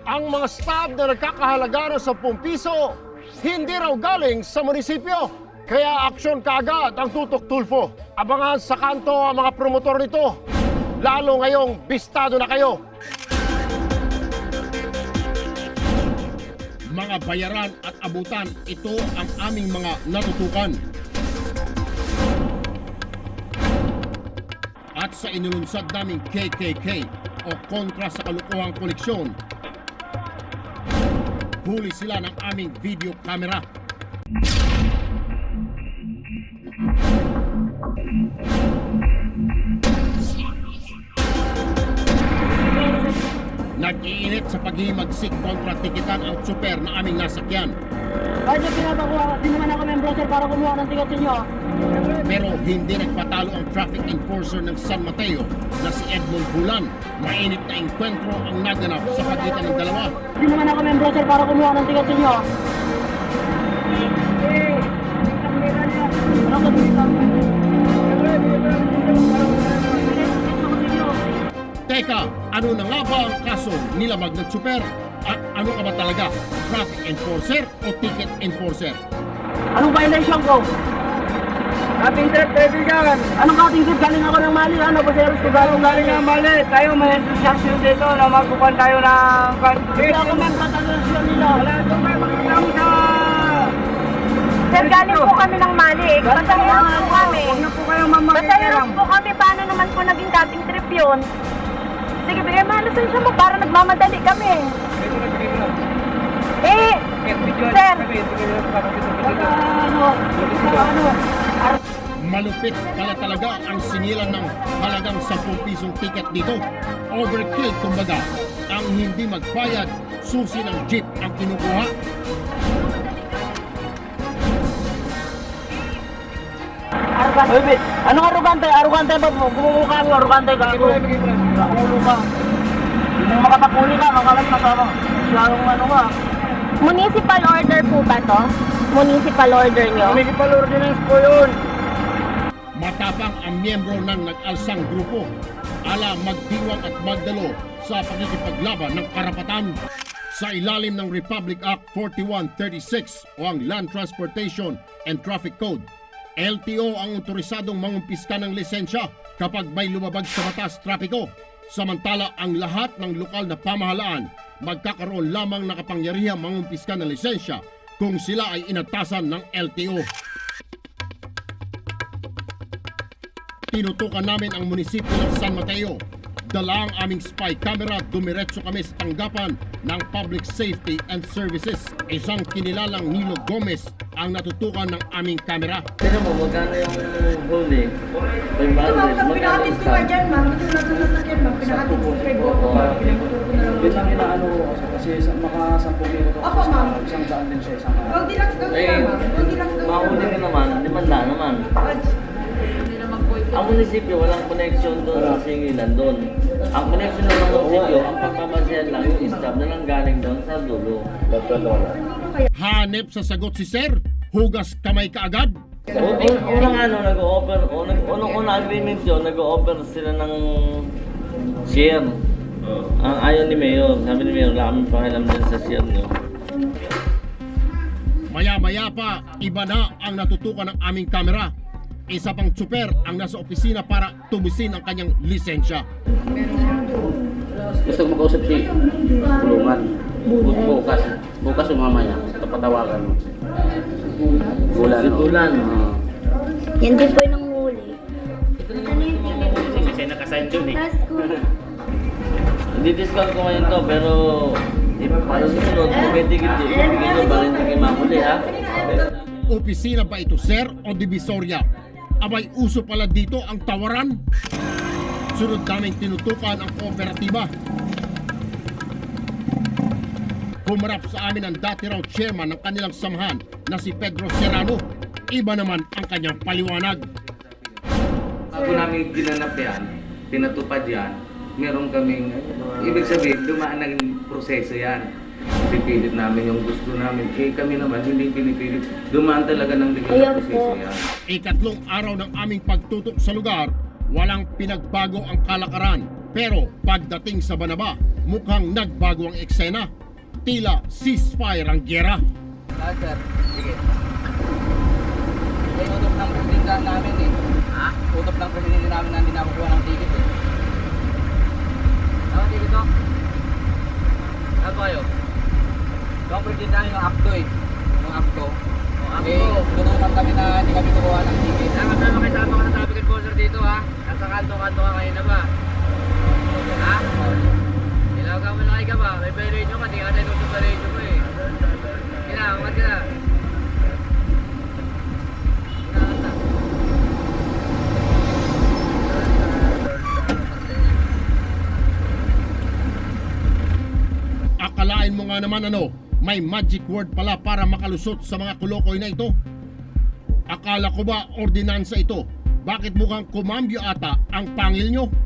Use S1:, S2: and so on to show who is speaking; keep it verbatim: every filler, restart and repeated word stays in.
S1: Ang mga staff na nagkakahalaga ng sampung piso, hindi raw galing sa munisipyo. Kaya aksyon kaagad ang Tutok Tulfo. Abangan sa kanto ang mga promotor nito. Lalo ngayong bistado na kayo. Mga bayaran at abutan, ito ang aming mga natutukan. At sa inulunsad naming K K K o kontra sa kalukuhang koleksyon, huli sila ng aming video camera. Nag-iinit sa paghihimagsik kontra tikitan ang super na aming nasakyan.
S2: Kahit yung pinapakuha, di naman ako membro sir para kumuha ng ticket sa inyo.
S1: Pero hindi nagpatalo ang traffic enforcer ng San Mateo na si Edmond Bulan. Mainit na engkwentro ang naganap sa pagitan ng dalawa.
S2: Di naman ako membro sir para kumuha ng ticket sa inyo. Ano ka dito?
S1: Teka, ano na nga ba ang kaso nilabag ng super? At ano ka ba talaga? Traffic enforcer o ticket enforcer?
S2: Anong violation ko?
S3: Ating trip, kaibigan.
S2: Anong kating trip? Galing ako ng Mali. Ano ba sir?
S3: Galing galing nga mali. Tayo may association dito na magkukuhan tayo ng...
S2: Hindi ako membro sa asosasyon nila.
S3: Wala ito kayo makikita sa...
S4: Sir, galing po kami ng Mali. Basahiran po kami.
S3: Huwag na po kayong mamakikiram.
S4: Basahiran po kami. Paano naman po naging dating trip yun? Sige, bigay mo ang lisensya mo para nagmamadali kami. Eh, sir.
S2: Ano? Ano?
S1: Malupit pala talaga ang sinilang ng halagang sampung pisong ticket dito. Overkill kumbaga. Ang hindi magbayad, susi ng jeep ang kinukuha.
S2: Arugante. Wait, wait. Anong arugante? Arugante ba? Gumumukha mo, arugante ka. Nakulo ka. Hindi mo makapakuli ka, makalat na ka. Siyarong ano ka.
S4: Municipal order po ba to? Municipal order nyo?
S3: Municipal ordinance po yun.
S1: Matapang ang miyembro ng nag-alsang grupo. Ala magdiwang at magdalo sa pakikipaglaban ng karapatan. Sa ilalim ng Republic Act forty-one thirty-six o ang Land Transportation and Traffic Code, L T O ang otorisadong mangumpiska ng lisensya kapag may lumabag sa batas trapiko. Samantala, ang lahat ng lokal na pamahalaan magkakaroon lamang ng kapangyarihang mangumpiska ng lisensya kung sila ay inatasan ng L T O. Tinutukan namin ang munisipyo ng San Mateo. Dala ang aming spy camera, dumiretso kami sa tanggapan ng Public Safety and Services. Isang kinilalang Nilo Gomez ang natutukan ng aming kamera.
S5: Tignan mo, magkano yung huli? five hundred, magkano yung stamp?
S6: ma'am. Ito na ito na yan, ma'am. Pinakatin ko kay Boko, ma'am. Pinagtuturo ko na lang.
S3: Yun lang inaano ko kasi, kasi sa- makasampung kilo to.
S6: Opo, ma'am.
S3: Isang daan din siya, isang
S6: Huwag di lang daw
S5: Eh,
S6: sila, ma'am. Huwag di lang daw
S5: mahuli ka naman, limanda naman. Ang munisipyo, walang connection doon sa singilan doon. Ang connection ng munisipyo, ang pagmamasayan lang yung staff na nang galing doon sa dulo.
S1: Hanep sa sagot si Sir, hugas kamay kaagad.
S5: Un- un- Unang ano, nag-o-offer, unang unang agreement yun, nag-o-offer sila ng share. Ang ayaw ni Mayor, sabi ni Mayor, wala kami pakialam din sa share nyo.
S1: Maya-maya pa, iba na ang natutukan ng aming kamera. Isa pang tsuper ang nasa opisina para tubusin ang kanyang lisensya.
S7: Gusto ko makausap si Bulungan. Bukas. Bukas o mamaya. Kapatawagan mo. Bulan.
S5: Si Bulan.
S7: Oo.
S4: Yan din po yung nanghuli.
S7: Kasi nakasign dun eh.
S5: Hindi-discount ko ngayon to, pero eh, para susunod, kung may ticket eh, ibigay nyo para hindi kayo mahuli, ha?
S1: Opisina ba ito, Sir, o Divisoria? Abay, uso pala dito ang tawaran. Sunod naming tinutukan ang kooperatiba. Humarap sa amin ang dati raw chairman ng kanilang samahan na si Pedro Serrano. Iba naman ang kanyang paliwanag.
S8: Bago namin ginanap yan, pinatupad yan, meron kaming, ibig sabihin, dumaan ng proseso yan. Pipilit namin yung gusto namin. Eh kami naman, hindi pinipilit. Dumaan talaga ng legal na proseso yan.
S1: Ikatlong araw ng aming pagtutok sa lugar, walang pinagbago ang kalakaran. Pero pagdating sa Banaba, mukhang nagbago ang eksena. Tila ceasefire ang gera.
S3: Ah, sir. Sige. May utop ng presidente namin eh. Ha? Utop ng presidente namin na hindi nakukuha ng ticket eh. Ano ticket to? Ano kayo? Ito ang presidente namin yung acto eh. Yung acto. Eh, tutunan kami na hindi kami kukuha ng ticket. Dapat na makisama ka sa traffic enforcer dito ha. Nasa kanto-kanto ka ngayon na ba? Ha? Ilaw ka malaki ka ba? May violation ka, di ka tayo sa violation mo eh. Kina, umat ka na.
S1: Akalain mo nga naman ano, may magic word pala para makalusot sa mga kulokoy na ito. Akala ko ba ordinansa ito? Bakit mukhang kumambyo ata ang pangil nyo?